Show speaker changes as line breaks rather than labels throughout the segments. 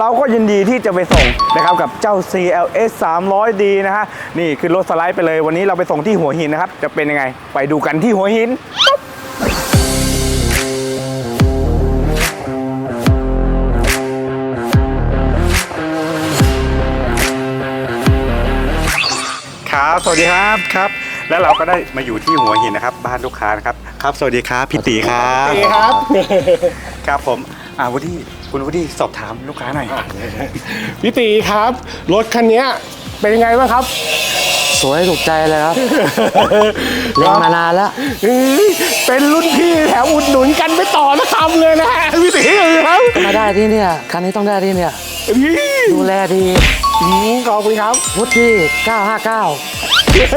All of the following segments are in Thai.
เราก็ยินดีที่จะไปส่งนะครับกับเจ้า CLS 300D นะฮะนี่คือรถสไลด์ไปเลยวันนี้เราไปส่งที่หัวหินนะครับจะเป็นยังไงไปดูกันที่หัวหินครับสวัสดีครับครับแล้วเราก็ได้มาอยู่ที่หัวหินนะครับบ้านลูกค้านะครับครับสวัสดีครับพี่ตีครับ
สวัสดีครับ
ครับผมวูดดี้คุณวูดดี้สอบถามลูกค้าหน่อย
พี่ตีครับรถคันนี้เป็นยังไงบ้างครับ
สวยถูกใจเลยครับ เล่นมานานแล้ว
เป็นรุ่นพี่แถวอุดหนุนกันไม่ต่อนะคำเลยนะฮะพี่ตีครับ
มาได้ที่เนี่ยคันนี้ต้องได้ที่เนี่ยดูแลดี
ขอบคุณครับ
วุฒิ959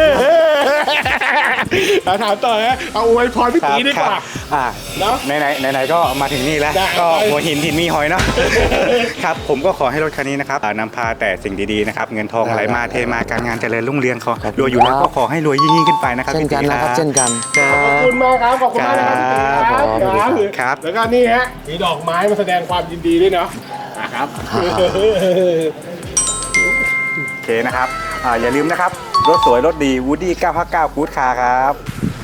ถามต่อนะเอาอวยพรพี่ตีดีกว่า เนอะ
ไหนก็มาถึงนี่แล้ว
ได้
ก็หัวหินถิ่นมีหอยเนาะ ครับผมก็ขอให้รถคันนี้นะครับนำพาแต่สิ่งดีๆนะครับเงินทองไหลมาเทมาการงานเจริญรุ่งเรืองเขารวยอยู่แล้วก็ขอให้รวยยิ่งขึ้นไปนะครับ
เช่นกันนะครับเช่นกัน
ครั
ขอบบ คุณมากครับขอบคุณมากนะครับพี่ตี
ครับ
ครับแล้วก็นี่ฮะมีดอกไม้มาแสดงความยินดีด้วยเนาะครับ
โอเคนะครับอย่าลืมนะครับรถสวยรถดี Woody 959 Good Car ครับ